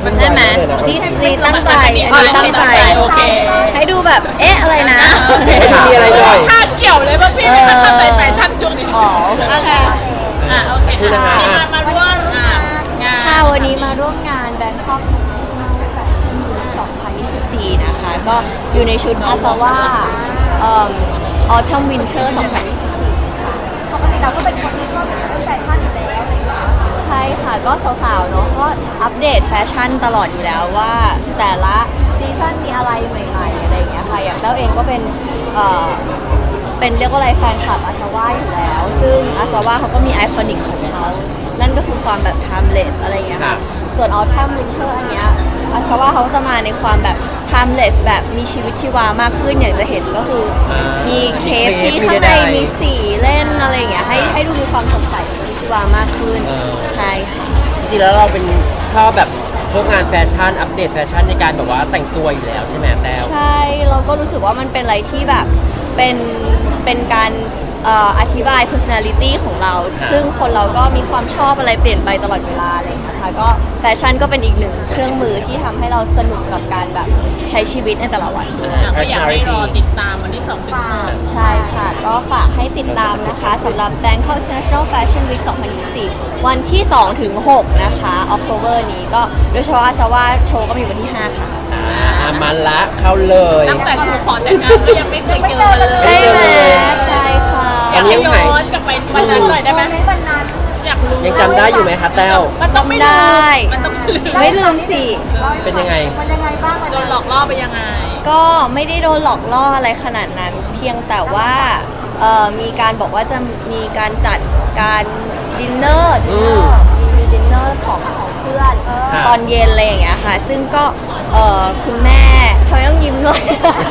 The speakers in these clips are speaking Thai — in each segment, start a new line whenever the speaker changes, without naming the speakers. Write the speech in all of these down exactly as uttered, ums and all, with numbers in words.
ได้ไหมนี่นี่ตั้งใจตั้งใจโอเคให้ดูแบบเอ๊ะอะไรนะ
มีอะไรหน่อย
คาดเกี่ยวเลยว่าพี่ไม่เข้าใจแฟชั่นช่วงนี้
อ๋อโอเค
อ่ะโอเคที่มามาร่วมอ่ะงาน
ค่ะวันนี้มาร่วมงาน Bangkokสองพันยี่สิบสี่นะคะก็อยู่ในชุดอาซาว่าเอ่อ Autumn Winter สองพันยี่สิบสี่ค่ะปกติเราก็เป็นคนที่ชอบแบบแฟชั่นอยู่แล้วใช่ค่ะก็สาวๆเนาะก็อัปเดตแฟชั่นตลอดอยู่แล้วว่าแต่ละซีซั่นมีอะไรใหม่ๆอะไรอย่างเงี้ยค่ะอย่างเต้าเองก็เป็นเอ่อเป็นเรียกว่าอะไรแฟนคลับอาซาว่าอยู่แล้วซึ่งอาซาว่าเขาก็มีไอคอนิกของเขานั่นก็คือความแบบ timeless อะไรอย่างเงี้ยค่ะส่วน Autumn Winter อันเนี้ยอาซาว่าเขาจะมาในความแบบ timeless แบบมีชีวิตชีวามากขึ้นอย่างจะเห็นก็คือมีเคปที่ข้างในมีสีเล่นอะไรอย่างเงี้ยให้ให้ดูมีความสดใสชีวิตชีวามากขึ้นใช่ค่ะ
จริงๆแล้วเราเป็นชอบแบบพวกงานแฟชั่นอัปเดตแฟชั่นในการแบบว่าแต่งตัวอยู่แล้วใช่ไหมแต้ว
ใช่เราก็รู้สึกว่ามันเป็นอะไรที่แบบเป็นเป็นการอธิบาย personality ของเราซึ่งคนเราก็มีความชอบอะไรเปลี่ยนไปตลอดเวลาอะไรอย่างเงี้ยค่ะก็แฟชั่นก็เป็นอีกหนึ่งเครื่องมือที่ทำให้เราสนุกกับการแบบใช้ชีวิตในแต่ละวัน
ก็อยากให้รอติดตามวันที่สองถึงหก
ใช่ค่ะก็ฝากให้ติดตามนะคะสำหรับ Bangkok International Fashion Week สองพันยี่สิบสี่วันที่สองถึงหกนะคะ October นี้ก็โดยเฉพาะอาซาว่าโชว์ก็มีวันที่ห้าค่ะ
อ่ามันละเข้าเลย
ตั้งแต่ครูขอแต่งงานก็ยังไม่เคยเจอกันเลย
ใช่ไหมใช่ค่ะ
อยากย้อนกลับไปวันนั้นหน่อยได้ไหมวันนั้นอยากรู้
ยังจำได้อยู่ไหมคะแต้ว
มันต้องไม่
ได้
มันต้อง
ไม่ลืมสิ
เป็นยังไง
มันยังไงบ้าง
โดนหลอกล่อไปยังไง
ก็ไม่ได้โดนหลอกล่ออะไรขนาดนั้นเพียงแต่ว่ามีการบอกว่าจะมีการจัดการดินเนอร์มีมีดินเนอร์ของของเพื่อนตอนเย็นอะไรอย่างเงี้ยค่ะซึ่งก็คุณแม่ทำไมต้องยิ้มด้วย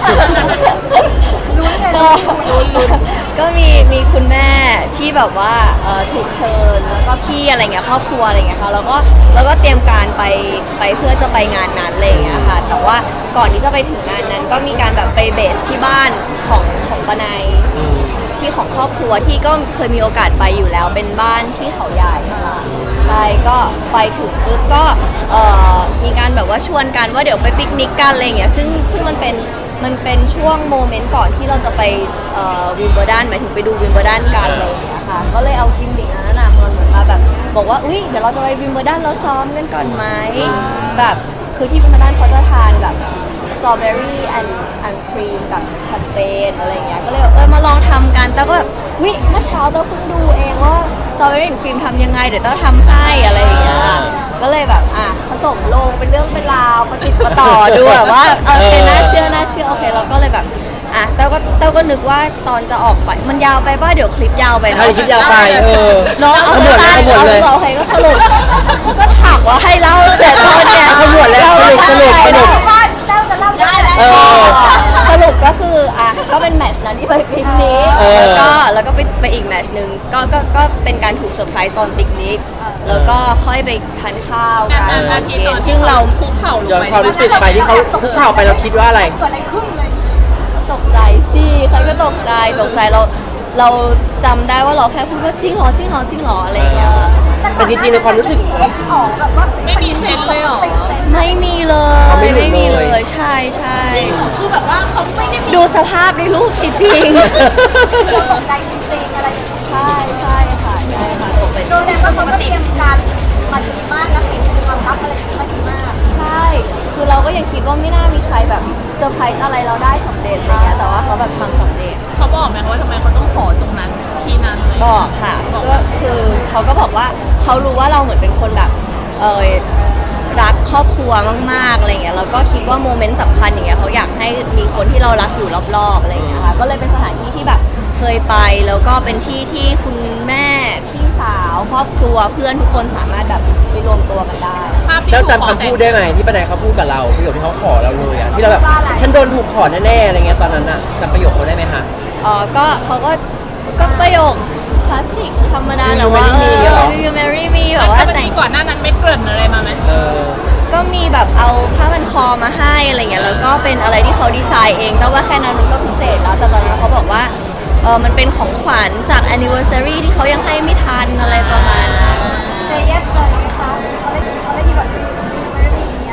ก็ก็มีมีคุณแม่ที่แบบว่าถูกเชิญแล้วก็พี่อะไรเงี้ยครอบครัวอะไรเงี้ยค่ะแล้วก็แล้วก็เตรียมการไปไปเพื่อจะไปงานนั้นอะไรเงี้ยค่ะแต่ว่าก่อนที่จะไปถึงงานนั้นก็มีการแบบไปเบสที่บ้านของของปนัยที่ของครอบครัวที่ก็เคยมีโอกาสไปอยู่แล้วเป็นบ้านที่เขาใหญ่ค่ะใช่ก็ไปถึงปุ๊บก็มีการแบบว่าชวนกันว่าเดี๋ยวไปปิกนิกกันอะไรเงี้ยซึ่งซึ่งมันเป็นมันเป็นช่วงโมเมนต์ก่อนที่เราจะไปวิมเบิลดันหมายถึงไปดูวิมเบิลดันกันเลยนะคะก็เลยเอากิมมิคนั้นน่ะมันเหมือนมาแบบบอกว่าอุ้ยเดี๋ยวเราจะไปวิมเบิลดันเราซ้อมกันก่อนไหมแบบคือที่วิมเบิลดันเขาจะทานแบบสตรอเบอรี่แอนด์แอนด์ครีมกับแชมเปญอะไรเงี้ยก็เลยเออมาลองทำกันแต่ก็แบบวิเมื่อเช้าเราเพิ่งดูเองว่าสตรอเบอรี่แอนด์ครีมทำยังไงเดี๋ยวต้องทำให้อะไรอย่างเงี้ยก็เลยแบบอ่ะผสมลงเป็นเรื่องเป็นราวประติดประต่อดูแบบว่าเออเป็นน่าเชื่อน่าเชื่อโอเคเราก็เลยแบบอ่ะเต้าก็เต้าก็นึกว่าตอนจะออกไปมันยาวไปป่ะเดี๋ยวคลิปยาวไป
ใช่คลิปยาวไปเออ
น้องเอาหมดเลยหมดเลยโอเคก็สรุปก็ถามว่าให้เล่าแต่ตอนเนี้ย
เอาหมดแล้วสรุปสรุปสรุป
เต้าจะเล่าได้แล้วสรุปก็คืออ่ะก็เป็นแมตช์นั้นที่ไปปิกนิกแล้วก็แล้วก็ไปไปอีกแมตช์นึงก็ก็ก็เป็นการถูกเซอร์ไพรส์ตอนปิกนิกแล้วก็ค่อยไปทานข้าวกันตอนเย็นซึ่งเรา
คุกเข่าลง
ไปย้อนความรู้สึกไปที่เขาคุกเข่าไปเราคิดว่าอะไรเกิดอะไรขึ้นเลย
ตกใจสิใครก็ตกใจตกใจเราเราจำได้ว่าเราแค่พูดว่าจริงเหรอจริงเหรอจริงเหรออะไรอย่างเงี้ย
แต่จริงๆในความรู้สึก
ไม่มีเซนเลยหรอ
ไม่มีเลยไม่มีเลยใช่ใช่
คือแบบว่าเขาไม่ได้
ดูสภาพในรูปสิจริงตกใจจริงๆอะไรใช่ใช่ค่ะใช่ค่ะตกใจ
โดยแต่ว่าเขาก็เตรียมการมาดีมากนะปิดความลับอะไรมาดีมาก
ใช่คือเราก็ยังคิดว่าไม่น่ามีใครแบบเซอร์ไพรส์อะไรเราได้สำเร็จอะไรเงี้ยแต่ว่าเขาแบบทำสำเร็จ
เขาบอกไหมว่าทำไมเขาต้องขอตรงนั้นที่นั้น
บอกค่ะก็คือเขาก็บอกว่าเขารู้ว่าเราเหมือนเป็นคนแบบเออรักครอบครัวมากๆอะไรเงี้ยแล้วก็คิดว่าโมเมนต์สำคัญอย่างเงี้ยเขาอยากให้มีคนที่เรารักอยู่รอบๆอะไรเงี้ยค่ะก็เลยเป็นสถานที่ที่แบบเคยไปแล้วก็เป็นที่ที่คุณแม่พี่สาวครอบครัวเพื่อนทุกคนสามารถแบบไปรวมตัวกันได้
แล้วจำคำพูดได้ไหมที่ป้าแดงเขาพูดกับเราประโยคที่เขาขอเราเลยอะที่เราแบบฉันโดนถูกขอแน่ๆอะไรเงี้ยตอนนั้นอะจำประโยคเขาได้ไหมคะ
อ๋อก็เขาก็ก็ประโยคคลาสสิกธรรมดาแหละว่าเออ you marry me แบบว่า
แต่ก่อนหน้านั้นไม่เกริ่นอะไรมาไหม
เออ
ก็มีแบบเอาผ้าพันคอมาให้อะไรเงี้ยแล้วก็เป็นอะไรที่เขาดีไซน์เองแต่ว่าแค่นั้นมันก็พิเศษแล้วแต่ตอนนั้นเขาบอกว่าเออมันเป็นของขวัญจาก anniversary ที่เขายังให้ไม่ทันอะไรประมาณนั้น
เซเยสเลยนะคะเขาได้เขาได้ยินแบบไม่ได้ยิน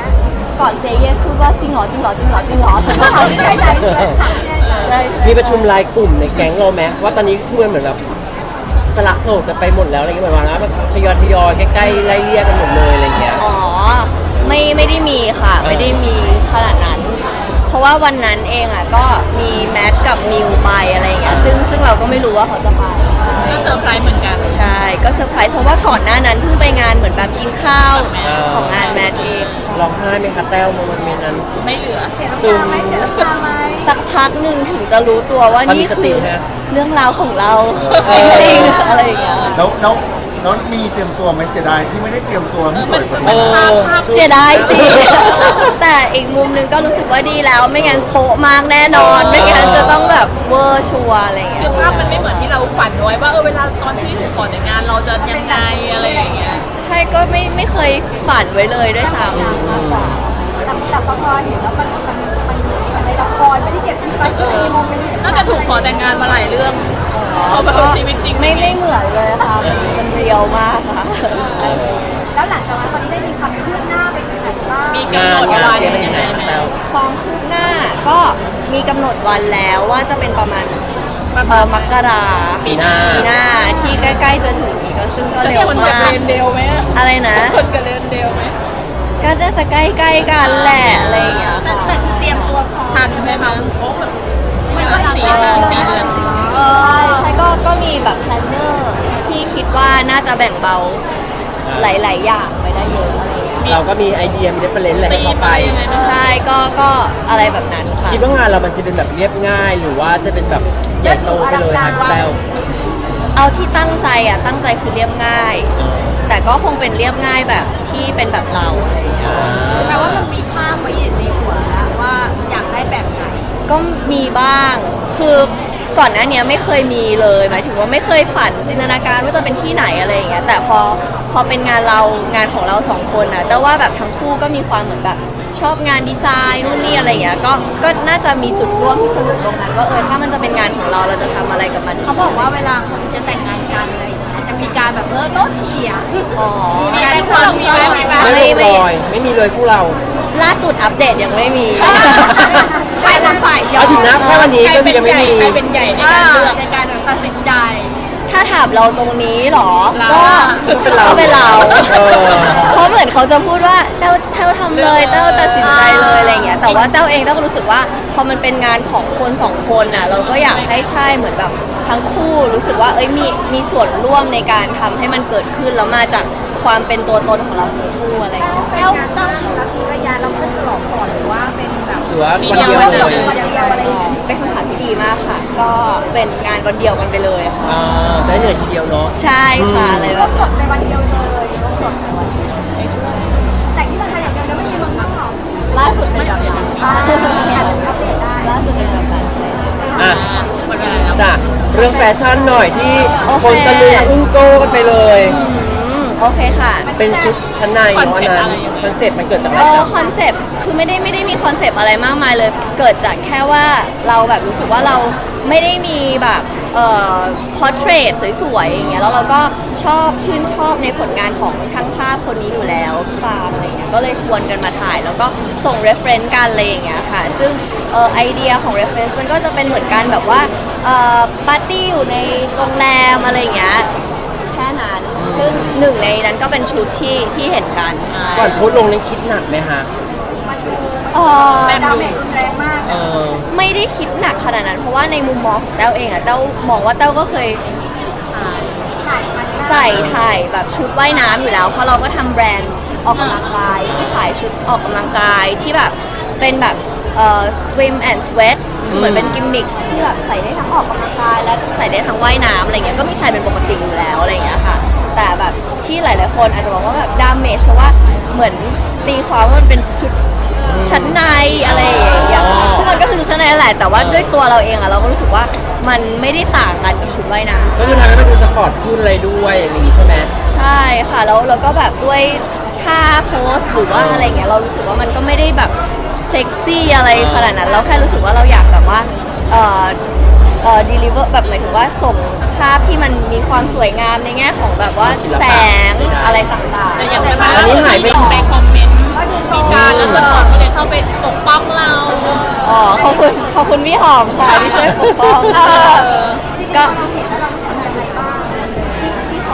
งเหรอจริงเหรอจริงเหรอจริงเหรอ
ถามที่แน่ใจใช่ไหมถามที่แน่ใจ
ใช่
มีประชุมรายกลุ่มในแก๊งเราไหมว่าตอนนี้คือมันเหมือนแบบสละโสดกันไปหมดแล้วอะไรเงี้ยเหมือนว่าแบบทยอยทยอยใกล้ๆไล่เลี่ยกันหมดเลยอะไรเงี้ย
อ๋อไม่ไม่ได้มีค่ะ ไม่ได้มีขนาดนั้น เพราะว่าวันนั้นเองอ่ะก็มีแมทกับมิวไปอะไรอย่างเงี้ยซึ่งซึ่งเราก็ไม่รู้ว่าเขาจะไป
ก็เซอร์ไพรส์เหมือนกัน
ใช่ก็เซอร์ไพรส์เพราะว่าก่อนหน้านั้นเพิ่งไปงานเหมือนแบบกินข้าวของงานแมทเอง
ร้องไห้ไหมคะแต้วโมเมนต์นั้น
ไม่เหลือ
เสียน้ำตาไหมเสียน้ำตาไหม
สักพักหนึ่งถึงจะรู้ตัวว่า
ตอนมี
นี่
ส
คื
ติ
อ
ฮะ
เรื่องราวของเรา
เอ
จ
อ
ริงๆอะไรอย่างเงี้ย
แล้วแล้วแล้วมีเตรียมตัวไหมเสียดายที่ไม่ได้เตรียมตัวให้สวยกว่า
เอ
นี้
อ
เสียดายสิ แต่อีกมุมหนึงก็รู้สึกว่าดีแล้ว ไม่งั้นโป๊ะมากแน่นอน ไม่งั้นจะต้องแบบเวอร์ชัวร์อะไรอย่างเงี้
คื
ย
อภาพมันไม่เหมือนที่เราฝันไว้ว่าเออเวลาตอนที่ขอแต่งงานเราจะยังไงอะไรอย่างเงี้ย
ใช่ก็ไม่ไม่เคยฝันไว้เลยด้วยซ้ำมากกว่า
แต่แต่พอเห็นแล้วมันมันมันมันในละครไม่ได้เก็บที่มันมีโมเมนต์
น่าจะถูกขอแต่งงานมาหลายเรื่องเพราะแบบชีวิตจริง
ไม่ไม่เหมือนเลยค่ะมันมันเรียวมากค่ะ
แล้วหลังจากนั้นตอนนี้ได้มีความคืบหน้าไปถึงไหนบ้าง
มีกำหนดวันยังไงไหม
ความคืบหน้าก็มีกำหนดวันแล้วว่าจะเป็นประมาณเอ่อมกรา
ปีหน้า
ปีหน้าที่ใกล้ๆจะถึงนี้ก็ซึ่งก็
จะ
เร็
ช
วน
กับ
มา
เร
ก
นเดลไหม
อะไรนะ
ชนกับเรนเดลไหม
ก็น่าจะใกล้ๆกันแหละอะไรอย่างเงี้ยค่ะ
แต่คือเตรียมตัวพร้อม
ทันไหมคะสี่เดือนสี่เดือน
เออ
ใช่ก็ก็มีแบบแพลนเนอร์ที่คิดว่าน่าจะแบ่งเบาหลายๆอย่างไปได้เยอะอะไรอย่างเงี้ย
เราก็มีไอเดียมีเรฟเฟรนซ์อะไรให้
ตี
เขา
ม
ไป
อะไรยังไงไหม
ใช่ก็ก็อะไรแบบนั้นค่ะ
คิดว่างานเรามันจะเป็นแบบเรียบง่าย หรือว่าจะเป็นแบบใหญ่โตไปเลยฮะแต้ว
เอาที่ตั้งใจอ่ะตั้งใจคือเรียบง่าย แต่ก็คงเป็นเรียบง่ายแบบที่เป็นแบบเราอะไรอย่างเงี้ย
แปลว่ามันมีภาพไว้ในหัวแล้วว่าอยากได้แบบไหน
ก็มีบ้าง คือก่อนหน้าเนี้ยไม่เคยมีเลย หมายถึงว่าไม่เคยฝันจินตนาการว่าจะเป็นที่ไหนอะไรอย่างเงี้ย แต่พอพอเป็นงานเรางานของเราสองคนนะแต่ว่าแบบทั้งคู่ก็มีความเหมือนแบบชอบงานดีไซน์นู่นนี่อะไรอย่างเงี้ย ก็ก็น่าจะมีจุดร่วมที่สนุกตรงนั้นว่าเออถ้ามันจะเป็นงานของเราเราจะทำอะไรกับมัน
เขาบอกว่าเวลาคนจะแต่งงานกันอะไรอย่างเงี้ยจะมีการแบบเออโต๊ะเถียง
อ๋อ
มีอะไรความมีไหมมีไหม
ไม่ลงรอยไม่มีเลยคู่เรา
ล่าสุดอัปเดตยังไม่มี
ใครเป็นฝ่ายยอ
เอา
ม
ถึงนะแค่วันนี้
ใคร
ก็
เป็น
ยัง
ให
ไม่
ญ่
มี
ใครเป็นใหญ่ในการเลือก
ในการตัดสินใจ
ถ้าถามเราตรงนี้เหรอ
เรา
ก็
ก็เป็นเรา
ก็เป็นเรา
เออ
เพราะเหมือนเขาจะพูดว่าเต้าเต้าทำเลยเต้าตัดสินใจเลยอะไรอย่างเงี้ย แต่ว่าเต้าเองเต้าก็รู้สึกว่าพอมันเป็นงานของคนสองคนน่ะ เราก็อยากให้ใช่เหมือนแบบทั้งคู่รู้สึกว่าเอ้ยมีมีส่วนร่วมในการทำให้มันเกิดขึ้นแล้วมาจากความเป็นตัวตนของเราทั้งคู่อะไรอย่างเงี้ย
แล้วต้องแล้วทีระยะเราเพื่อฉลองก่อนหรือว่าเป็นแบบ
หรือว่า
มี
วัน
เดี
เดี
ย
ยว ว
เล
เลย ย
วันเดียวอะไรอย่างเงี้ย
เป็นคำถามที่ดีมากค่ะ ก็เป็นงานวันเดียวกันไปเลยค่ะ
อ่าจะได้เหนื่อยทีเดียวเนาะ
ใช่ค่ะอะไรแบบ
จบในวันเดียวเลยจบในวันเดียวแต่ที่เมืองไทยอย่างเดียวนะไม่มีเมืองนอกหรอก
ล่าสุดเป็นแบบนั้น
อ่าเนี่ยอาจจะอัปเดตได้
ล่าสุดเป็นแบบนั้น
อ่ะ
หมดเวลาแล้ว
จ้ะเรื่องแฟชั่นหน่อยที่
โอเค
คนตะลึงอึ้งโก้กันไปเลย
อืมโอเคค่ะ
เป็นชุดชั้นในเนาะอันนั้นคอนเซ็ปต์มันเกิดจากอะไร
เออ
จ๊ะ
คอนเซปต์คือไม่ได้ไม่ได้มีคอนเซปต์อะไรมากมายเลย เกิดจากแค่ว่าเราแบบรู้สึกว่าเราไม่ได้มีแบบเอ่อพอร์เทรตสวยๆอย่างเงี้ยแล้วเราก็ชอบชื่นชอบในผลงานของช่างภาพคนนี้อยู่แล้วพี่ฟาร์มอะไรเงี้ยก็เลยชวนกันมาถ่าย แล้วก็ส่ง reference กันอะไรอย่างเงี้ยค่ะ ซึ่งเอ่อไอเดียของ reference มันก็จะเป็นเหมือนกันแบบว่าเอ่อปาร์ตี้อยู่ในโรงแรมอะไรอย่างเงี้ยแค่นั้น ซึ่งหนึ่งในนั้นก็เป็นชุดที่ที่เห็นกัน
ก่อนโพสต์ลงนั้นคิดหนักไหมฮะ
เอ่อ
ดาเมจรุนแรงมาก
เออ
ไม่ได้คิดหนักขนาดนั้น เพราะว่าในมุมมองของแต้วเองอะแต้วมองว่าแต้วก็เคย
ถ่ายมัน
ใส่ถ่ายแบบชุดว่ายน้ำอยู่แล้ว เพราะเราก็ทำแบรนด์ออกกำลังกายที่ขายชุดออกกำลังกายที่แบบเป็นแบบเอ่อ swim and sweat คือเหมือนเป็นกิมมิคที่แบบใส่ได้ทั้งออกกำลังกายและใส่ได้ทั้งว่ายน้ำอะไรเงี้ยก็มีใส่เป็นปกติอยู่แล้วอะไรเงี้ยค่ะ แต่แบบที่หลายๆคนอาจจะบอกว่าแบบดามเมจเพราะว่าเหมือนตีความว่ามันเป็นชุดชั้นในอะไรอย่างเงี้ยซึ่งมันก็คือชุดชั้นในแหละแต่ว่าด้วยตัวเราเองอะเราก็รู้สึกว่ามันไม่ได้ต่างกันกับชุดว่ายน้ำ
ก็คือทำให้มันดูสปอร์ตขึ้นอะไรด้วยอย่างนี้ใช่ไหม
ใช่ค่ะแล้วเราก็แบบด้วยท่าโพสหรือว่าอะไรเงี้ยเรารู้สึกว่ามันก็ไม่ได้แบบเซ็กซี่อะไรขนาดนั้น เราแค่รู้สึกว่าเราอยากแบบว่าเอ่อเอ่อ deliver แบบหมายถึงว่าส่งภาพที่มันมีความสวยงามในแง่ของแบบว่า
ศิลปะ
แสงอะไรต่างๆ
แต่อย่างเวลา
อันนี้หายไป
ไปคอมเมนต์มีการแล้วตำรวจก็เลยเข้าไปปกป้อง
ขอบคุณขอบคุณพี่หอมค่ะที่ช่วยปกป้อง
เออ
ก็
เราเห็นแล้วเรารู้สึกยังไงบ้าง
ที่เขา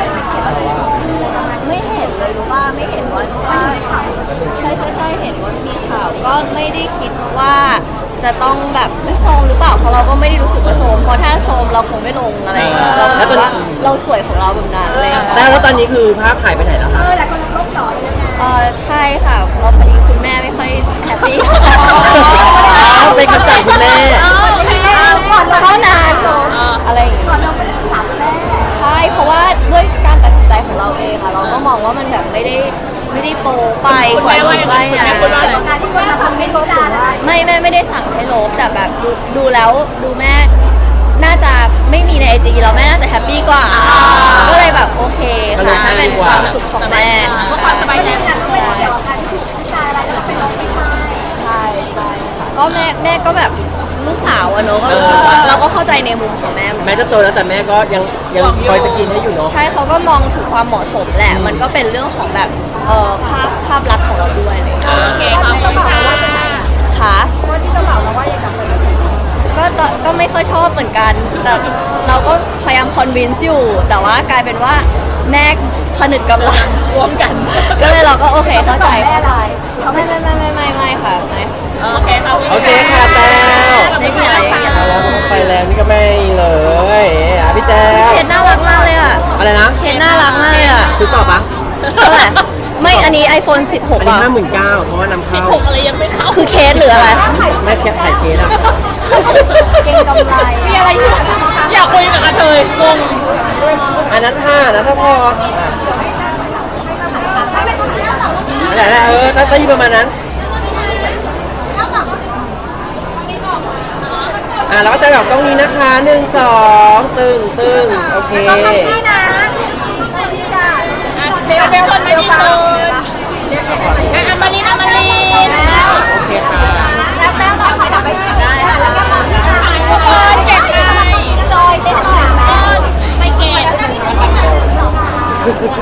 ไม่เห็นเลยรู้ว่าไม่เห็นว่าว่าใช่ใช่ใช่เห็นว่ามีข่าวก็ไม่ได้คิดว่าจะต้องแบบไม่โซมหรือเปล่าเพราะเราก็ไม่ได้รู้สึกว่าโซมเพราะถ้าโซมเราคงไม่ลงอะไรอย่างเงี้ยเรา
แล้วตอนนี้
ว่าเราสวยของเราแบบนั้นเลย
แต่แล้วตอนนี้คือภาพหายไปไหนแล้ว
เอ
คะ
อหลายคนลบหล่อเลยยังไง
เออใช่ค่ะเพราะพอดีคุณแม่ไม่ค่อยแฮปปี้
อ้าวเป็นคำสั่งคุณแม่
ก่อนเท่านั้นอะไรอย่างเงี้ย
ก่อนเราไม่ได้ศึกษาแม่
ใช่เพราะว่าด้วยการตัดสินใจของเราเองค่ะเราก็มองว่ามันแบบไม่ได้ไม่ได้โปรไปกว่าคิดไว้นะ
การที่คนมาทำไม่รู้จานอะไร
ไม่แม่ไม่ได้สั่งให้ลบแต่แบบดูดูแล้วดูแม่น่าจะไม่มีในไอจีแล้วแม่น่าจะแฮปปี้กว่า ก็เลยแบบโอเคค่ะถ้าเป็นความสุขของแม่
ก็ความสบายใจ
ไม่ได้ไม่ได้เกี่ยวกับการที่ถูกผู้ชายอะไรแล้วเป็นน้องไม่ใช่
ใช่ใช่ค่ะก็แม่แม่ก็แบบลูกสาวอะเนอะก็รู้สึกว่าเราก็เข้าใจในมุมของแม่เหมือนกัน
แม่จะโตแล้วแต่แม่ก็ยังยังคอยสกินให้อยู่เนาะ
ใช่เขาก็มองถึงความเหมาะสมแหละ มันก็เป็นเรื่องของแบบเอ่อภาพภาพลักษณ์ของเราด้วยอะไรอย่างเลย
โอเคขอบคุณค่ะ
ค่ะ
ว่าที่เจ้าบ่าวเราว่าอย่างกับคน
ก็ตอนก็ไม่ค่อยชอบเหมือนกัน แต่เราก็พยายามคอนวินซ์อยู่ แต่ว่ากลายเป็นว่าแม่ผนึกกำลัง
รวมกัน
ก็เลยเราก็โอเคเข้าใจเข้าใจไม่ไม่ไม่ไม่ไม่ไม่ค่ะไม่
โอเคขอบคุณ
โอเคค่ะแต้ว
ไม่มีอะไรไม่มีอะไร
แล้วไปแล้วนี่ก็ไม่เลยอ่ะพี่แต้ว
เคสน่ารักมากเลยอ่ะ
อะไรนะ
เคสน่ารักมากเลยอ่ะ
ซื้อต่อปะ
เท่าไหร่ไม่อันนี้ iPhone สิบหก
อันนี้
อ่ะ
ห้าหมื่นเก้าเพราะว่านำ
สิบ
เข้า
หกอะไรยังไม่เข้า
คือเคสหรืออะไร
ไม่แค่ถ่ายเคสอะ
เก่งกำไรมีอะไรอยู่
อยากคุยกับกระเทยงง
อันนั้นห้านะถ้าพออ่ะอะไรนะเออตั้งตั้งประมาณนั้นอ่ะแล้วก็จะแบบตรงนี้นะคะหนึ่งสองตึงตึงโอเค
นี่นะนี่จ้ะ
อ่ะเชฟเป็นชนมาที่ชนอ่ะอัมมาลินอัมมาลิน
โอเคค่ะ
แล้วแป้งมาขยับไปกินได้แล้วก็มองที่ไหน
ทุกคนเก็บไง
จอยเต้นหน่อยนะ
ไม่เก็บ